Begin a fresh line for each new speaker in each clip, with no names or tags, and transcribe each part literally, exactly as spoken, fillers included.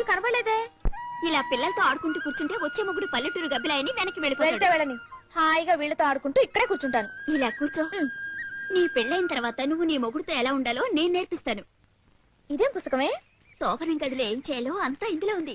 కనబడలేదే.
ఇలా పిల్లలతో ఆడుకుంటూ కూర్చుంటే వచ్చే మొగుడు పల్లెటూరు గబ్బిలాయని వెనక్కి
వెళ్తే
వెళ్ళిపోతాడు.
వెళ్ళని, హాయిగా వీళ్ళతో ఆడుకుంటూ ఇక్కడే కూర్చుంటాను.
ఇలా కూర్చో. నీ పెళ్ళైన తర్వాత నువ్వు నీ మొగుడుతో ఎలా ఉండాలో నేను నేర్పిస్తాను.
ఇదేం పుస్తకమే?
శోభనం గదిలో ఏం చేయాలో అంతా ఇందులో ఉంది.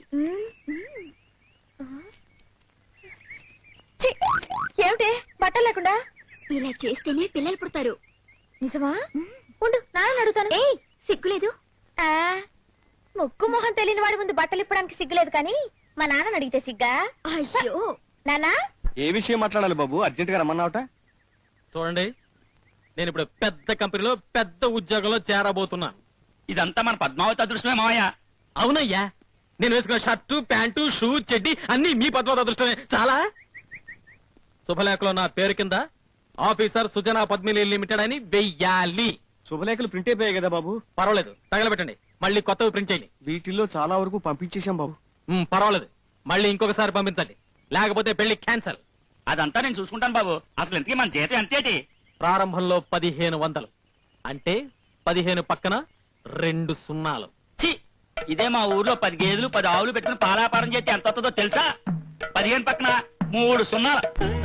ఏమిటి బట్టలు లేకుండా?
ఇలా చేస్తేనే పిల్లలు పుడతారు.
నిజమా? ఉండు నాన్న అడుగుతాను.
ఏయ్ సిగ్గులేదు?
ఆ ముక్కు మొహం తెలియని వాడి ముందు బట్టలు ఇప్పడానికి సిగ్గులేదు, కానీ మా నాన్న అడిగితే సిగ్గా?
అయ్యో
నానా
ఏ విషయం మాట్లాడాలి బాబు? అర్జెంట్ గా రమ్మన్నావుట.
చూడండి, నేను ఇప్పుడు పెద్ద కంపెనీలో పెద్ద ఉద్యోగంలో చేరబోతున్నాను.
ఇదంతా మన పద్మావతి అదృష్టమే మావయ్య.
అవునయ్యా, నేను వేసుకున్న షర్టు ప్యాంటు షూ చెడ్డి అన్ని మీ పద్మావతి అదృష్టమే. చాలా శుభలేఖలో నా పేరు కింద ఆఫీసర్ సుజనా పద్మిని లిమిటెడ్ అని వెయ్యాలి.
శుభలేఖలు ప్రింట్ అయిపోయాయి కదా బాబు?
పర్వాలేదు, తగలబెట్టండి. మళ్ళీ కొత్తవి ప్రింట్ చేయండి.
వీటిల్లో చాలా వరకు పంపించేశాం బాబు.
ఉమ్, పర్వాలేదు, మళ్ళీ ఇంకొకసారి పంపించండి, లేకపోతే పెళ్లి క్యాన్సల్.
అదంతా నేను చూసుకుంటాను బాబు. అసలు ఇంతకీ మన జీతం ఎంతేటి?
ప్రారంభంలో పదిహేను వందలు అంటే పదిహేను పక్కన రెండు సున్నాలు.
ఛీ, ఇదే మా ఊర్లో పది గేదెలు పది ఆవులు పెట్టుకుని పాలాపారం చేస్తే ఎంత వస్తుందో తెలుసా? పదిహేను పక్కన మూడు సున్నాలు.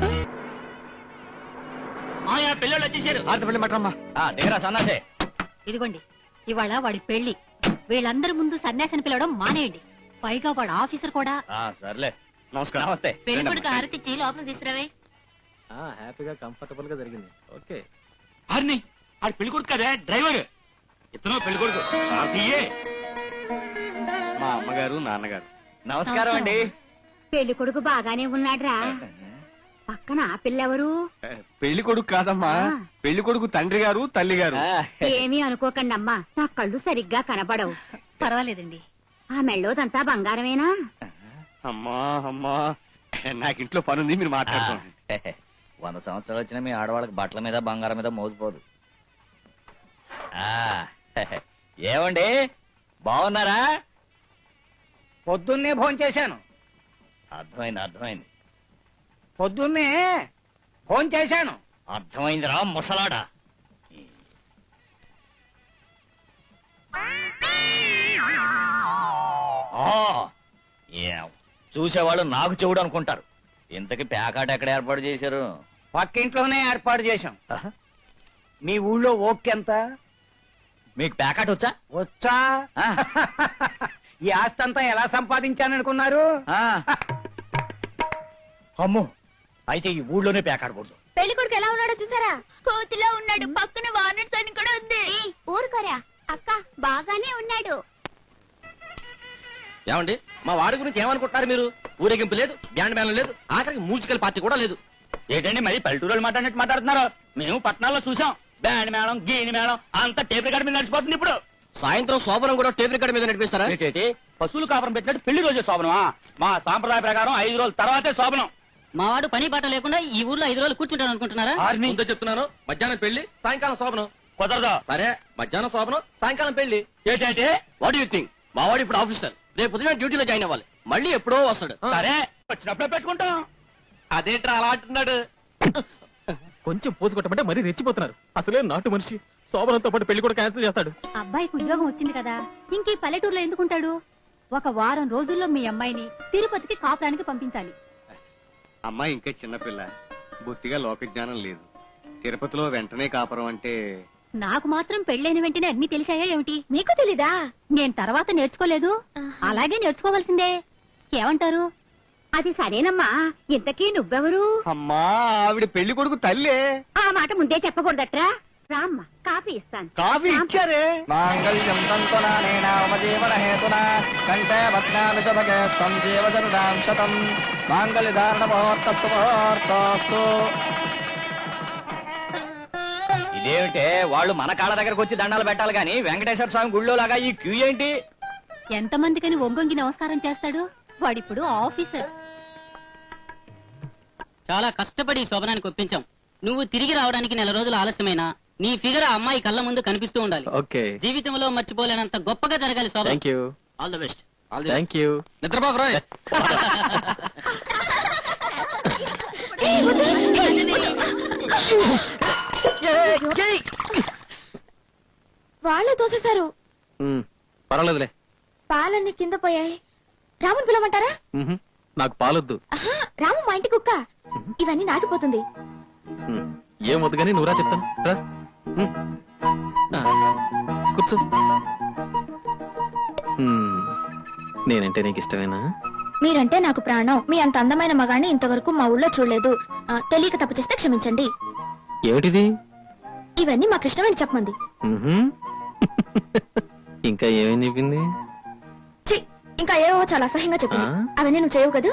మావయ్య పిల్లలు వచ్చేసారు.
ఆడత పెళ్లి మటమ్మా.
దేరా సన్నాసే.
ఇదిగోండి, ఇవాళ వాడి పెళ్లి. వీళ్ళందరి ముందు సన్యాసిని పిలవడం మానేయండి. పైగా వాడు ఆఫీసర్ కూడా.
సర్లే,
నమస్కారం.
నమస్తే.
పెళ్లి కొడుకు హారతిచ్చి లోపల తీసుకురావే.
హ్యాపీగా కంఫర్టబుల్ గా జరిగింది. ఓకే,
హరిని ఆడు పెళ్లి కొడుకు కదే డ్రైవర్. ఇతను పెళ్లి కొడుకు.
మా అమ్మగారు నాన్నగారు.
నమస్కారం అండి.
పెళ్లి కొడుకు బాగానే ఉన్నాడ్రా. పక్కన ఆ పిల్లెవరు?
పెళ్లి కొడుకు కాదమ్మా, పెళ్లి కొడుకు తండ్రి గారు తల్లి గారు.
ఏమీ అనుకోకండి అమ్మా, నా కళ్ళు సరిగ్గా కనబడవు.
పర్వాలేదండి.
ఆ మెళ్ళోదంతా బంగారమేనా?
అమ్మా అమ్మా, నాకింట్లో పనుంది, మీరు మాట్లాడుకోండి.
వంద సంవత్సరాలు వచ్చినా మీ ఆడవాళ్ళకి బట్టల మీద బంగారం మీద మోగిపోదు. ఏమండి బాగున్నారా?
పొద్దున్నే ఫోన్ చేశాను.
అర్థమైంది అర్థమైంది
పొద్దున్నే ఫోన్ చేశాను.
అర్థమైందిరా ముసలాడా. చూసేవాళ్ళు నాకు చెవుడు అనుకుంటారు. ఇంతకి ప్యాకాట ఎక్కడ ఏర్పాటు చేశారు?
పక్కింట్లోనే ఏర్పాటు చేశాం. మీ ఊళ్ళో ఓకెంత?
మీకు ప్యాకాట వచ్చా?
వచ్చా? ఈ ఆస్తి అంతా ఎలా సంపాదించాననుకున్నారు?
అమ్మో, అయితే ఈ ఊళ్ళోనే ప్యాకాడకూడదు.
పెళ్లి కొడుకు ఎలా ఉన్నాడో చూసారా?
కోతిలో ఉన్నాడు. పక్కన వానర్స్ అని కూడా ఉంది. ఊరుకోరా అక్క, బాగానే ఉన్నాడు.
ఏమండి, మా వాడి గురించి ఏమనుకుంటున్నారు మీరు? ఊరేగింపు లేదు, బ్యాండ్ మేళం లేదు, ఆఖరికి మ్యూజికల్ పార్టీ కూడా లేదు.
ఏంటండి మరి పల్లెటూరు మాట్లాడినట్టు మాట్లాడుతున్నారు? మేము పట్టణాల్లో చూసాం. బ్యాండ్ మేళం గీని మేళం అంతా టేప్ రికార్డు మీద నడిచిపోతుంది. ఇప్పుడు
సాయంత్రం శోభనం కూడా టేప్ రికార్డు మీద నడిపిస్తారా?
ఏంటి పశువులు కాపురం పెట్టినట్టు పెళ్లి రోజే శోభనమా? మా సాంప్రదాయ ప్రకారం ఐదు రోజుల తర్వాతే శోభనం.
మా వాడు పని బాట లేకుండా ఈ ఊర్లో ఐదు రోజులు కూర్చుంటాను అనుకుంటున్నారా?
ముందే చెప్తున్నాను, మధ్యాహ్నం పెళ్లి సాయంకాలం శోభనం.
కుదరదా?
సరే, మధ్యాహ్నం శోభనం సాయంకాలం పెళ్లి.
ఏంటంటే
వాట్ యూ థింక్? మా వాడు ఇప్పుడు ఆఫీసర్, రేపు ఉదయం డ్యూటీలో జాయిన్ అవ్వాలి. మళ్ళీ ఎప్పుడో వస్తాడు.
సరే, వచ్చినప్పుడే పెట్టుకుంటాం.
అదేంట్రా అలా అంటున్నాడు? కొంచెం పోసుకొట్టమంటే మరీ రెచ్చిపోతున్నారు. అసలే నాటు మనిషి. శోభనంతో పాటు పెళ్లి కూడా క్యాన్సిల్ చేస్తాడు.
అబ్బాయికి ఉద్యోగం వచ్చింది కదా, ఇంక పల్లెటూరులో ఎందుకుంటాడు? ఒక వారం రోజుల్లో మీ అమ్మాయిని తిరుపతికి కాపురానికి పంపించాలి.
అమ్మాయి ఇంకా చిన్నపిల్ల, బొత్తిగా లోక జ్ఞానం లేదు. తిరుపతిలో వెంటనే కాపురం అంటే
నాకు మాత్రం పెళ్ళైన వెంటనే అన్ని తెలిసాయా ఏమిటి?
మీకు తెలీదా?
నేను తర్వాత నేర్చుకోలేదు, అలాగే నేర్చుకోవాల్సిందే. ఏమంటారు?
అది సరేనమ్మా, ఇంతకీ నువ్వెవరు?
అమ్మా, ఆవిడ పెళ్లి కొడుకు తల్లే.
ఆ మాట ముందే చెప్పకూడదట్రా. రామ్మా, కాఫీ ఇస్తాను.
కాఫీ ఇచ్చారే.
మాంగళ్యం తంతునానేన మమ హేతునా కంఠే బధ్నామి శుభగే త్వం జీవ శరదాం శతం మాంగళ్య ధారణ ముహూర్తస్సు ముహూర్తోస్తు.
ఇదేమిటే వాళ్ళు మన కాళ్ళ దగ్గరకు వచ్చి దండాలు పెట్టాలి గాని వెంకటేశ్వర స్వామి గుళ్ళో లాగా ఈ క్యూ ఏంటి?
ఎంతమందికని ఒంగొంగి నమస్కారం చేస్తాడు వాడిప్పుడు ఆఫీసర్.
చాలా కష్టపడి శోభనానికి ఒప్పించాం. నువ్వు తిరిగి రావడానికి నెల రోజులు ఆలస్యమైనా నీ ఫిగర్ ఆ అమ్మాయి కళ్ళ ముందు కనిపిస్తూ ఉండాలి.
ఓకే,
జీవితంలో మర్చిపోలేనంత గొప్పగా జరగాలి శోభనం.
Thank you.
All the best.
Thank you. నిద్రపోకు రోయ్.
వాళ్ళే తోసేశారు.
పర్వాలేదులే.
పాలన్నీ కింద పోయాయి. రాముని పిలవమంటారా?
మ్హూ. నాకు పాలొద్దు.
ఆహా, రాము మా ఇంటి కుక్క. ఇవన్నీ నాకిపోతుంది.
మ్, ఏం వద్దు కానీ నువ్వురా చెప్తాను రా. మ్. ఆ, కూర్చో. మ్, నేనంటే నీకు ఇష్టమేనా?
మీరంటే నాకు ప్రాణం. మీ అంత అందమైన మగాన్ని ఇంతవరకు మా ఊళ్ళో చూడలేదు. ఆ, తెలియక తప్పు చేస్తే క్షమించండి.
ఏమిటిది?
ఇవన్నీ మా కృష్ణవేణి చెప్పమంది.
మ్హూ. ఇంకా ఏమేం చెప్పింది?
ఛీ, ఇంకా ఏవో చాలా అసహ్యంగా చెప్పింది.
ఆ?
అవన్నీ నువ్వు చేయవు కదూ?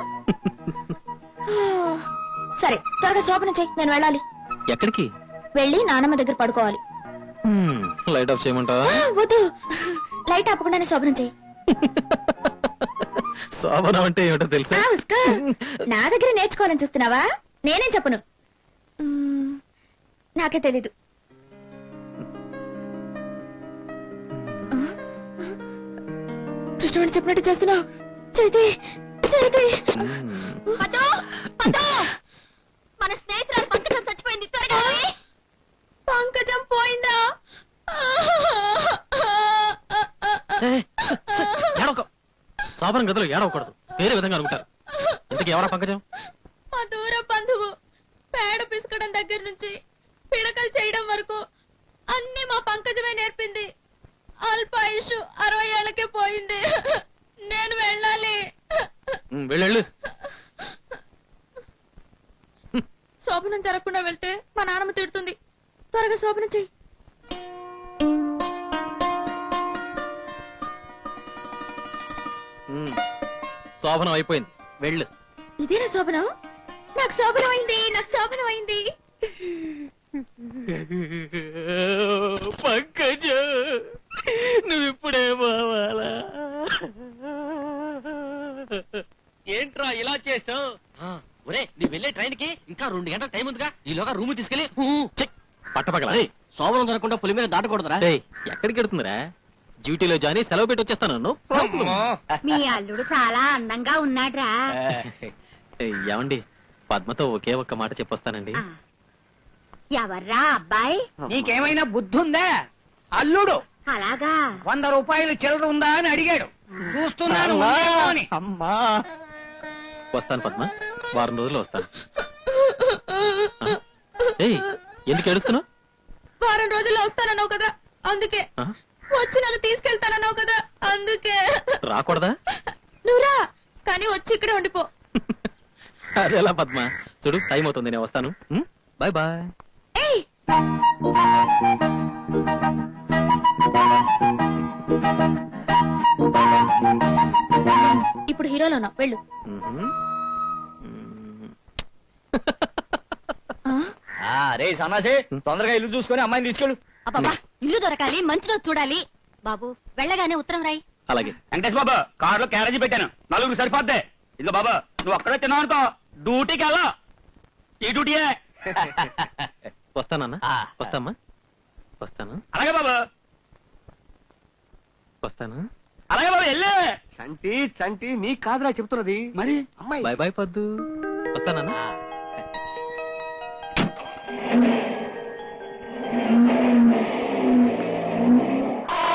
సరే, త్వరగా శోభనం చెయ్యి, నేను వెళ్ళాలి.
ఎక్కడికి?
వెళ్ళి నానమ్మ దగ్గర పడుకోవాలి.
మ్, లైట్ ఆఫ్ చేయమంటావా?
ఆ, వద్దు, లైట్ ఆపకుండానే శోభనం చెయ్యి.
శోభనం అంటే ఏమిటో తెలుసా?
ఆ, ఉస్కో. నా దగ్గర నేర్చుకోవాలని చూస్తున్నావా? నేనేం చెప్పను. మ్, నాకే తెలీదు. కృష్ణవేణి చెప్పినట్టు చేస్తున్నావు. చైతి, చైతి.
మ్,
పదో పదో మన స్నేహితురాలు పంకజం చచ్చిపోయింది, త్వరగా రా.
పంకజం పోయిందా?
ఏయ్, స- స- ఏడవకు. శోభనం గదిలో ఏడవకూడదు, వేరే విధంగా అనుకుంటారు. ఇంతకీ ఎవరా పంకజం?
మా దూర బంధువు. పేడ పిసుకడం దగ్గర నుంచి పిడకలు చేయడం వరకు అన్ని మా పంకజమే నేర్పింది. అల్పాయుషు అరవై ఏళ్ళకే పోయింది. నేను వెళ్ళాలి.
మ్, వెళ్ళు.
శోభనం జరగకుండా వెళ్తే మా నాన్నమ్మ తిడుతుంది. త్వరగా శోభనం చెయ్యి.
మ్, శోభనం అయిపోయింది, వెళ్ళు.
ఇదేనా శోభనం? నాకు శోభనం అయింది, నాకు శోభనం అయింది.
పంకజ, నువ్వు ఇప్పుడే పోవాలా?
ఏంట్రా ఇలా చేసావు? ఒరే, నీ వెళ్ళే ట్రైన్ కి ఇంకా రెండు గంటల టైం ఉందిగా, ఈలోగా రూమ్ తీసుకెళ్లి
పట్టపగల
శోభనం దొరకకుండా పులి మీద దాటకూడదురా.
ఏయ్, ఎక్కడికి వెడుతుందిరా? డ్యూటీలో జాని సెలవు పెట్టి వచ్చేస్తాను. No problem.
మీ అల్లుడు చాలా అందంగా ఉన్నాడ్రా.
ఏయ్, ఏమండి, పద్మతో ఒకే ఒక్క మాట చెప్పొస్తానండి.
ఆ. ఎవర్రా అబ్బాయి?
నీకేమైనా బుద్ధి ఉందా? అల్లుడు
అలాగా?
వంద రూపాయలు చిల్లర ఉందా అని అడిగాడు. చూస్తున్నాను ఉందేమో అని.
అమ్మా
వస్తాను పద్మ, వారం రోజుల్లో వస్తాను. ఆ? ఏయ్, ఎందుకు ఏడుస్తున్నావు?
వారం రోజుల్లో వస్తానన్నావు కదా, అందుకే.
ఆ?
వచ్చి నన్ను తీసుకెళ్తానన్నావు కదా, అందుకే.
రాకూడదా?
నువ్వురా, కానీ వచ్చి ఇక్కడే ఉండిపో.
అదేలా పద్మ, చూడు టైం అవుతుంది, నేను వస్తాను. Bye bye.
ఏయ్, ఇప్పుడు హీరోలో ఉన్నావు, వెళ్ళు. ఆ?
రే సన్నాసి, తొందరగా ఇల్లు చూసుకొని అమ్మాయిని తీసుకెళ్ళు.
అబ్బబ్బా, ఇల్లు దొరకాలి, మంచి రోజు చూడాలి. బాబు, వెళ్ళగానే ఉత్తరం రాయి.
అలాగే.
వెంకటేష్ బాబా, కార్ లో క్యారేజీ పెట్టాను, నలుగురు సరిపోద్ది. ఇదిగో బాబా, నువ్వు అక్కడే తిన్నావు అనుకో, డ్యూటీకి వెళ్ళా. ఈ డ్యూటీయే.
వస్తానన్నా,
ఆ.
వస్తామ్మా, వస్తాను,
అలాగే బాబా,
వస్తాను.
అలాగే బాబా, వెళ్ళే.
చంటి చంటి నీ కాదురా చెప్తున్నది
మరి
అమ్మాయి.
బాయ్ బాయ్ పద్దు, వస్తానన్నా.